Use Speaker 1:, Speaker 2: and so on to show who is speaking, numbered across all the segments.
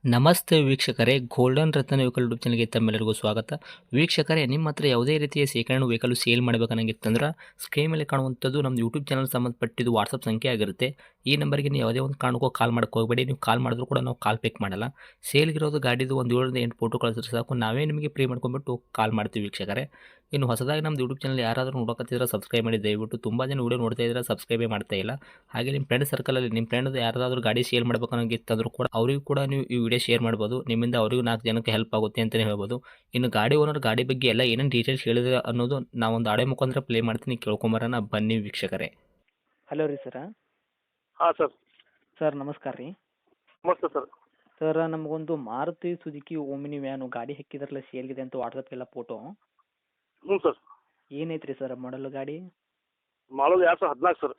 Speaker 1: ನಮಸ್ತೆ ವೀಕ್ಷಕರೇ, ಗೋಲ್ಡನ್ ರತ್ನ vehicle YouTube ಚಾನಲ್ಗೆ ತಮ್ಮೆಲ್ಲರಿಗೂ ಸ್ವಾಗತ. ವೀಕ್ಷಕರೇ, ನಿಮ್ಮ ಹತ್ರ ಯಾವುದೇ ರೀತಿಯ ಶೇಖರಣೆ ವೆಹಿಕಲ್ ಸೇಲ್ ಮಾಡಬೇಕನ್ನಂಗಿತ್ತಂದ್ರೆ ಸ್ಕ್ರೀನ್ ಮೇಲೆ ಕಾಣುವಂಥದ್ದು ನಮ್ಮ ಯೂಟ್ಯೂಬ್ ಚಾನಲ್ ಸಂಬಂಧಪಟ್ಟಿದ್ದು ವಾಟ್ಸಪ್ ಸಂಖ್ಯೆ ಆಗಿರುತ್ತೆ. ಈ ನಂಬರ್ಗೆ ನೀವು ಯಾವುದೇ ಒಂದು ಕಾರಣಕ್ಕೂ ಕಾಲ್ ಮಾಡೋಕೆ ಹೋಗಬೇಡಿ. ನೀವು ಕಾಲ್ ಮಾಡಿದ್ರು ಕೂಡ ನಾವು ಕಾಲ್ ಪಿಕ್ ಮಾಡಲ್ಲ. ಸೇಲ್ಗಿರೋದು ಗಾಡಿದು ಒಂದು 7ರಿಂದ 8 ಫೋಟೋ ಕಳಿಸಿದ್ರೆ ಸಾಕು, ನಾವೇ ನಿಮಗೆ ಪ್ರೀ ಮಾಡ್ಕೊಂಡ್ಬಿಟ್ಟು ಕಾಲ್ ಮಾಡ್ತೀವಿ ವೀಕ್ಷಕರೇ. ಇನ್ನು ಹೊಸದಾಗಿ ನಮ್ಮದು ಯೂಟ್ಯೂಬ್ ಚಾನಲ್ ಯಾರಾದರೂ ನೋಡೋಕತ್ತಿದ್ರೆ ಸಬ್ಸ್ಕ್ರೈಬ್ ಮಾಡಿ ದಯವಿಟ್ಟು. ತುಂಬ ಜನ ವೀಡಿಯೋ ನೋಡ್ತಾ ಇದ್ದಾರೆ, ಸಬ್ಸ್ಕ್ರೈಬೇ ಮಾಡ್ತಾ ಇಲ್ಲ. ಹಾಗೆ ನಿಮ್ಮ ಫ್ರೆಂಡ್ ಸರ್ಕಲಲ್ಲಿ ನಿಮ್ಮ ಫ್ರೆಂಡ್ ಯಾರಾದರೂ ಗಾಡಿ ಸೇಲ್ ಮಾಡಬೇಕನ್ನೋಂಗಿತ್ತಂದ್ರೂ ಕೂಡ ಅವರಿಗೂ ಕೂಡ ನೀವು ಈ ವಿಡಿಯೋ ಶೇರ್ ಮಾಡ್ಬೋದು. ನಿಮ್ಮಿಂದ ಅವರಿಗೂ 4 ಜನಕ್ಕೆ ಹೆಲ್ಪ್ ಆಗುತ್ತೆ ಅಂತಲೇ ಹೇಳ್ಬೋದು. ಇನ್ನು ಗಾಡಿ ಓನರ್ ಗಾಡಿ ಬಗ್ಗೆ ಎಲ್ಲ ಏನೇನು ಡೀಟೇಲ್ಸ್ ಹೇಳಿದ್ರೆ ಅನ್ನೋದು ನಾವೊಂದು ಆಡಿಯೋ ಮುಖಾಂತರ ಪ್ಲೇ ಮಾಡ್ತೀನಿ, ಕೇಳ್ಕೊಂಬರೋಣ ಬನ್ನಿ ವೀಕ್ಷಕರೇ.
Speaker 2: ಹಲೋ ರೀ ಸರ.
Speaker 3: ಹಾಂ ಸರ್.
Speaker 2: ಸರ್ ನಮಸ್ಕಾರ ರೀ.
Speaker 3: ನಮಸ್ತೆ ಸರ್.
Speaker 2: ಸರ್ ನಮಗೊಂದು ಮಾರುತಿ ಸುಜುಕಿ ಓಮಿನಿ ವ್ಯಾನು ಗಾಡಿ ಹಾಕಿದ್ರಲ್ಲ ಸೇಲ್ಗಿದೆ ಅಂತ ವಾಟ್ಸಪ್ಗೆಲ್ಲ ಫೋಟೋ.
Speaker 3: ಹ್ಞೂ ಸರ್.
Speaker 2: ಏನೈತೆ ರೀ ಸರ್ ಮಾಡಲು ಗಾಡಿ?
Speaker 3: ಮಾಡೋದು 2014 ಸರ್.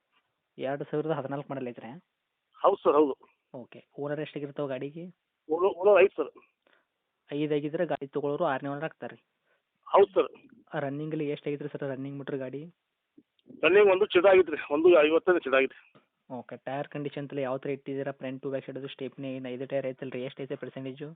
Speaker 2: 2014 ಮಾಡಲ್ ಐತ್ರಿ?
Speaker 3: ಹೌದು ಸರ್, ಹೌದು.
Speaker 2: ಓಕೆ. ಓನರ್ ಎಷ್ಟಾಗಿರ್ತಾವೆ ಗಾಡಿಗೆ?
Speaker 3: Owner 5 sir.
Speaker 2: 5 ಆಗಿದ್ರೆ ಗಾಡಿ ತೊಗೊಳೋರು 6ನೇ ಓನರ್ ಆಗ್ತಾರೆ ರೀ?
Speaker 3: ಹೌದು ಸರ್.
Speaker 2: ರನ್ನಿಂಗಲ್ಲಿ ಎಷ್ಟು ಆಗೈತೆ ರೀ ಸರ್ ರನ್ನಿಂಗ್ ಮೀಟ್ರ್ ಗಾಡಿ?
Speaker 3: ರನ್ನಿಂಗ್ ಒಂದು ಚಿದಾಗಿತ್ತು ರೀ, 1.55 ಚಿದಾಗಿತ್ತು.
Speaker 2: ಓಕೆ. ಟೈರ್ ಕಂಡೀಷನ್ ಎಲ್ಲ ಯಾವ ಥರ ಇಟ್ಟಿದ್ದೀರಾ? ಫ್ರಂಟ್ ಟು ಬ್ಯಾಕ್ ಸೈಡದು ಸ್ಟೆಪ್ನಿ 5 ಟೈರ್ ಐತಲ್ಲ ರೀ, ಎಷ್ಟು ಐತೆ ಪರ್ಸೆಂಟೇಜು?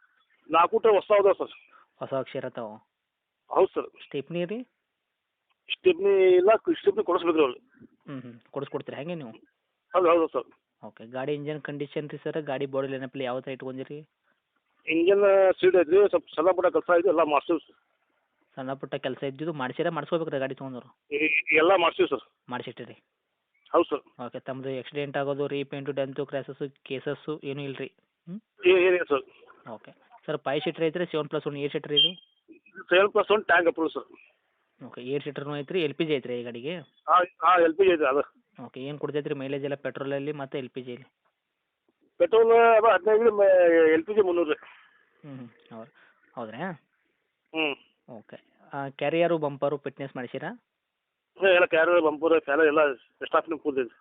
Speaker 3: 4 ಟೈರ್ ಹೊಸ ಅದಾವೆ ಸರ್.
Speaker 2: ಹೊಸ ಅಕ್ಷರ ತಾವು?
Speaker 3: ಹೌದು ಸರ್.
Speaker 2: ಸ್ಟೆಪ್ನಿ ರೀ?
Speaker 3: ಸ್ಟೆಪ್ನಿ ಇಲ್ಲ, ಸ್ಟೆಪ್ನಿ ಕೊಡಿಸ್ಬೇಕು ರೀ ಅವ್ರು.
Speaker 2: ಕೊಡಿಸ್ಕೊಡ್ತೀರಾ ಹೇಗೆ ನೀವು?
Speaker 3: ಹೌದು ಹೌದು ಸರ್.
Speaker 2: ಓಕೆ. ಗಾಡಿ ಇಂಜನ್ ಕಂಡೀಷನ್ ರೀ ಸರ್, ಗಾಡಿ ಬಾಡಿ ಲೈನಪ್ಪಲ್ಲಿ ಯಾವ ಥರ ಇಟ್ಕೊಂಡಿರಿ?
Speaker 3: ಇಂಜನ್ ಸೀಡ್ ಐತ್ರಿ, ಸ್ವಲ್ಪ ಸಣ್ಣ ಪುಟ್ಟ ಕೆಲಸ ಐತಿ, ಎಲ್ಲ ಮಾಡ್ತೀವಿ ಸರ್.
Speaker 2: ಸಣ್ಣ ಪುಟ್ಟ ಕೆಲಸ ಇದ್ದಿದ್ದು ಮಾಡಿಸ್ಕೋಬೇಕು ರೀ ಗಾಡಿ ತೊಗೊಂಡವ್ರು?
Speaker 3: ಎಲ್ಲ ಮಾಡ್ತೀವಿ ಸರ್.
Speaker 2: ಮಾಡಿಸಿಟ್ಟಿರಿ?
Speaker 3: ಹೌದು ಸರ್.
Speaker 2: ಓಕೆ. ತಮ್ಮದು ಆಕ್ಸಿಡೆಂಟ್ ಆಗೋದು, ರೀಪೇಂಟು, ಡೆಂತು, ಕ್ರ್ಯಾಸಸ್ಸು, ಕೇಸಸ್ಸು ಏನೂ ಇಲ್ಲ ರೀ?
Speaker 3: ಏನಿಲ್ಲ ಸರ್.
Speaker 2: ಓಕೆ. ಸರ್ 5 ಸೀಟ್ರ್ ಐತ್ರಿ, 7+1 8 ಸೀಟ್ರ್ ಇದು?
Speaker 3: 7+1 ಟ್ಯಾಂಕ್ ಅಪ್ರೂವ್ ಸರ್.
Speaker 2: ಓಕೆ. 8 ಸೀಟ್ರ್ನೂ ಐತ್ರಿ, ಎಲ್ ಪಿ ಜಿ ಐತ್ರಿ ಈ ಗಾಡಿಗೆ?
Speaker 3: ಹಾಂ ಹಾಂ, ಎಲ್ ಪಿ ಜಿ ಐತೆ ಅದು.
Speaker 2: ಓಕೆ. ಏನು ಕೊಡ್ತೈತೆ ರೀ ಮೈಲೇಜ್ ಎಲ್ಲ ಪೆಟ್ರೋಲಲ್ಲಿ ಮತ್ತು ಎಲ್ ಪಿ ಜಿಯಲ್ಲಿ?
Speaker 3: ಪೆಟ್ರೋಲ್ ಅದು 15, ಎಲ್ ಪಿ ಜಿ 300 ರೀ.
Speaker 2: ಹೌದು ಹೌದ್ರಾ?
Speaker 3: ಹ್ಞೂ.
Speaker 2: ಓಕೆ. ಕ್ಯಾರಿಯರು ಬಂಪರು ಫಿಟ್ನೆಸ್ ಮಾಡಿಸಿರಾ?
Speaker 3: ಎಲ್ಲ ಕ್ಯಾರು ಬಂಪೂರ್ ಫ್ಯಾನ್ ಎಲ್ಲ ಸ್ಟಾಫ್ನಿಗೆ ಕೂದೈತಿ.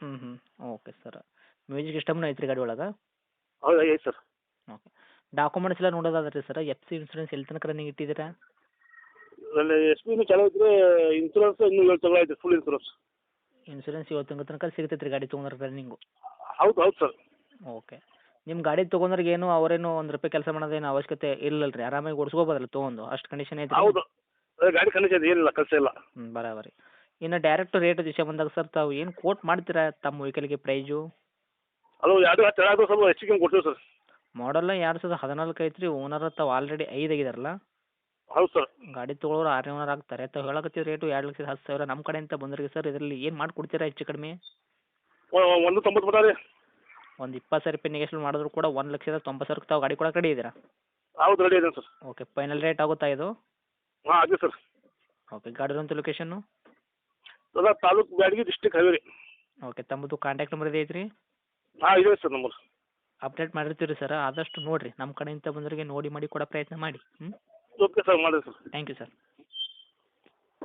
Speaker 2: Okay sir. ಮ್ಯೂಸಿಕ್ ಸಿಸ್ಟಮ್ನೂ ಐತ್ರಿ ಗಾಡಿ ಒಳಗೆ?
Speaker 3: ಹೌದು ಐತೆ ಸರ್.
Speaker 2: ಓಕೆ. ಡಾಕ್ಯುಮೆಂಟ್ಸ್ ಎಲ್ಲ ನೋಡೋದಾದ್ರೆ ರೀ ಸರ್, ಎಫ್ ಸಿ ಇನ್ಸೂರೆನ್ಸ್ ಎಲ್ಲಿ ತನಕ ರನ್ನಿಂಗ್ ಇಟ್ಟಿದ್ದೀರಾ?
Speaker 3: ಅಲ್ಲಿ ಎಸ್ ಪಿನೂ ಚಾಲೂ ಐತ್ರಿ, ಇನ್ಸೂರೆನ್ಸ್ ಇನ್ನೂ 7 ತಿಂಗಳು ಐತೆ, ಫುಲ್ ಇನ್ಸೂರೆನ್ಸ್.
Speaker 2: ಇನ್ಸೂರೆನ್ಸ್ 7 ತಿಂಗಳ ತನಕ ಸಿಗ್ತೈತೆ ರೀ ಗಾಡಿ ತೊಗೊಂಡ್ರೆ ರನ್ನಿಂಗು?
Speaker 3: ಹೌದು ಹೌದು ಸರ್.
Speaker 2: ಓಕೆ. ನಿಮ್ಮ ಗಾಡಿ ತೊಗೊಂಡ್ರಿಗೆ ಏನು ಅವರೇನು ₹1 ಕೆಲಸ ಮಾಡೋದೇನು ಅವಶ್ಯಕತೆ ಇಲ್ಲಲ್ಲ ರೀ, ಆರಾಮಾಗಿ ಓಡಿಸ್ಕೋಬೋದಲ್ಲ ತೊಗೊಂಡು, ಅಷ್ಟು ಕಂಡೀಷನ್ ಐತೆ?
Speaker 3: ಹೌದು, ಗಾಡಿ ಕಂಡೀಷನ್ ಏನಿಲ್ಲ, ಕೆಲಸ ಇಲ್ಲ.
Speaker 2: ಬರಾಬರಿ. ಇನ್ನು ಡೈರೆಕ್ಟ್ ರೇಟ್ ವಿಷಯ ಬಂದಾಗ ಸರ್, ತಾವು ಏನು ಕೋಟ್ ಮಾಡ್ತೀರಾ ತಮ್ಮ ವೆಹಿಕಲ್ಗೆ ಪ್ರೈಜು?
Speaker 3: ಅದು 2 10 ಸ್ವಲ್ಪ ಹೆಚ್ಚಿಗೆ ಕೊಡ್ತೀವಿ ಸರ್.
Speaker 2: ಮಾಡಲ್ಲ 2014 ಐತ್ರಿ, ಓನರ್ ತಾವು ಆಲ್ರೆಡಿ 5 ಆಗಿದಾರಲ್ಲ?
Speaker 3: ಹೌದು ಸರ್.
Speaker 2: ಗಾಡಿ ತೊಗೊಳೋರು 6ನೇ ಓನರ್ ಆಗ್ತಾರೆ. ತಾವು ಹೇಳಕತ್ತಿದ ರೇಟು 2,10,000 ನಮ್ಮ ಕಡೆಯಿಂದ ಬಂದ್ರಿಗೆ ಸರ್, ಇದರಲ್ಲಿ ಏನು ಮಾಡಿಕೊಡ್ತೀರಾ ಹೆಚ್ಚು ಕಡಿಮೆ?
Speaker 3: 1.90 ಮಟ ರೀ.
Speaker 2: ಒಂದು ₹20,000 ನೆಗೆಶ್ವಲ್ ಮಾಡಿದ್ರು ಕೂಡ 1,90,000 ತಾವು ಗಾಡಿ ಕೊಡಕ್ಕೆ ರೆಡಿ ಇದ್ದೀರಾ?
Speaker 3: ಹೌದು, ರೆಡಿ ಇದೆ ಸರ್.
Speaker 2: ಓಕೆ. ಫೈನಲ್ ರೇಟ್ ಆಗುತ್ತಾ ಇದು?
Speaker 3: ಹಾಂ ಅದೇ ಸರ್.
Speaker 2: ಓಕೆ. ಗಾಡಿರೋಂಥ ಲೊಕೇಶನ್ನು?
Speaker 3: ಅದ ತಾಲೂಕು ಬ್ಯಾಡಗಿ, ಡಿಸ್ಟಿಕ್ ಹೈವೇ ರೀ.
Speaker 2: ಓಕೆ. ತಮ್ಮದು ಕಾಂಟ್ಯಾಕ್ಟ್ ನಂಬರ್ ಇದೆ ಐತ್ರಿ?
Speaker 3: ಹಾಂ ಇದೆ ಸರ್ ನಂಬರ್.
Speaker 2: ಅಪ್ಡೇಟ್ ಮಾಡಿರ್ತೀವಿ ರೀ ಸರ್, ಆದಷ್ಟು ನೋಡಿರಿ, ನಮ್ಮ ಕಡೆಯಿಂದ ಬಂದವರಿಗೆ ನೋಡಿ ಮಾಡಿ ಕೊಡೋ ಪ್ರಯತ್ನ ಮಾಡಿ.
Speaker 3: ಓಕೆ ಸರ್, ಮಾಡಿರಿ ಸರ್.
Speaker 2: Thank you sir.